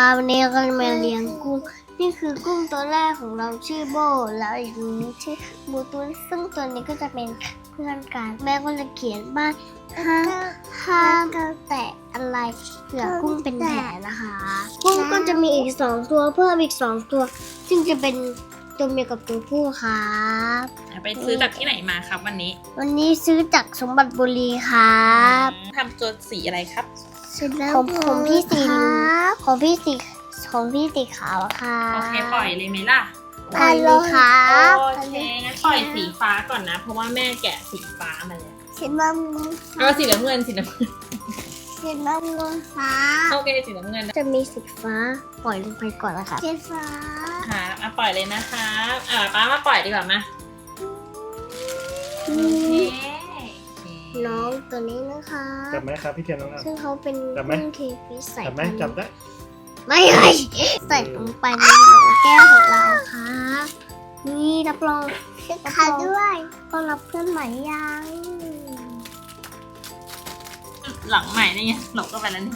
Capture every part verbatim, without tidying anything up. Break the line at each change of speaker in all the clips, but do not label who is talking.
วันนี้เราก็จะมาเลี้ยงกุ้งนี่คือกุ้งตัวแรกของเราชื่อโบแล้วอีกตัวนี้ชื่อบูตุนซึ่งตัวนี้ก็จะเป็นเพื่อนกันแม่ก็จะเขียนบ้านห้ามห้ามแตะอะไรเผื่อกุ้งเป็นแผลนะคะกุ้งก็จะมีอีกสองตัวเพิ่มอีกสองตัวซึ่งจะเป็นตัวเมียกับตัวผู้ครับ
ไปซื้อจากที่ไหนมาครับวันนี้
วันนี้ซื้อจากสมบัติบุรีครับ
ทำตัวสีอะไรครับ
ของของพี่สีของพี่สีของพี่สีขาวค่ะ
โอเคปล่อยเลยไหมล่ะ
ปล่อยเลยครับ
โอเคงั้นปล่อยสีฟ้าก่อนนะ เพราะว่าแม่แกะสีฟ้ามาแล้ว
สีน้ำเงิน
เอาสีน้ำเงินสีน้ำเงิน
สีน้ำเงินฟ้า
โอเคสีน้ำเงินนะ
จะมีสีฟ้าปล่อยลงไปก่อนนะคะสีฟ้า
ค่ะมาปล่อยเลยนะคะอ่าป้ามาปล่อยดีกว่ามาโอเค
น้องตัวนี้นะคะ
จับไหมครับพี่เทียนน้องอ่ะ
ซึ่งเขาเป็น
จับไหม
กุ้งเคฟิสใส่
จับไหมจับได้
ไม่เลยใส่ลงไปในโหลแก้วของเราค่ะนี่รับรองค่ะด้วยต้อนรับเพื่อนใหม่ยัง
หลังใหม่นี่ไงหลบก็ไปแล้วนี่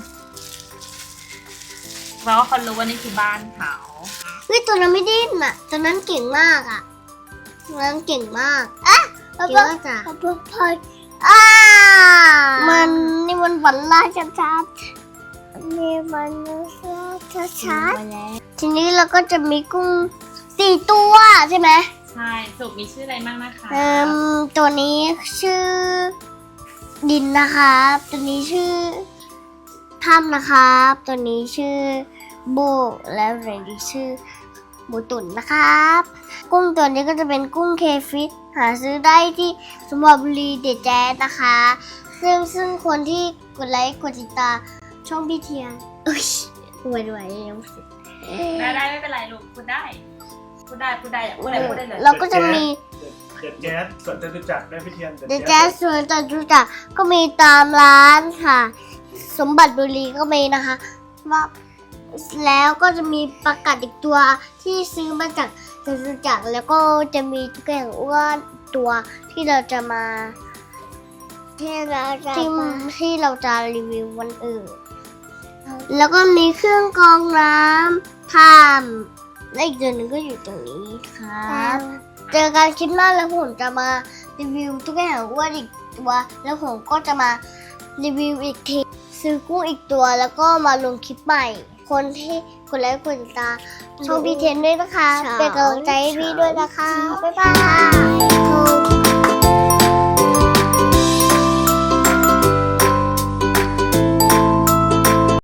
เพราะว่าเขารู้ว่านี่คือบ้านเขา
เฮ้ยตัวนั้นไม่ดิ้นอ่ะตัวนั้นเก่งมากอ่ะตัวนั้นเก่งมากอ่ะเก่งมากจ้ะพอยอ่ามันนี่มันฝันร้ายชัดๆนี่มันชัดๆทีนี้เราก็จะมีกุ้งสี่ตัวใช่ไหม
ใช่สุกมีชื่ออะไรบ้างนะคะ
เอ่มตัวนี้ชื่อดินนะครับตัวนี้ชื่อถ้ำนะครับตัวนี้ชื่อโบและเรนดี้ชื่อบูตุนนะครับกุ้งตัวนี้ก็จะเป็นกุ้งเคฟิตหาซื้อได้ที่สมบัติบุรีเดจแจ๊สนะคะซึ่งซึ่งคนที่กดไลค์กดติดตามช่องพี่เทียนเอ้ยอวยด้วยยังไม่เสร็จ
ได้ได้ไม่เป็นไรลูกพูดได้พูดได้พูดได้อยากพูดอะไรพูดได้เลย
เราก็จะมี
เด็ดแจ๊สส่วนจะรู้จักได้พี่เทียน
เดจแจ๊สส่วนจตุจักรก็มีตามร้านค่ะ สมบัติบุรีก็มีนะคะว่าแล้วก็จะมีประกาศอีกตัวที่ซื้อมาจากจตุจักรแล้วก็จะมีตุ๊กแกอ้วนตัวที่เราจะมาที่เราจะที่ที่เราจะรีวิววันอื่น แล้วก็มีเครื่องกรองน้ำทำและอีกตัวหนึ่งก็อยู่ตรงนี้ครับเจอกันคลิปหน้าแล้วผมจะมารีวิวตุ๊กแกอ้วนอีกตัวแล้วผมก็จะมารีวิวอีกทีซื้อกุ้งอีกตัวแล้วก็มาลงคลิปใหม่ คนที่กดไลค์กดติดตามช่องพี่เทนด้วยนะคะเป็นกำลังใจให้พี่ด้วยนะคะบ๊ายบาย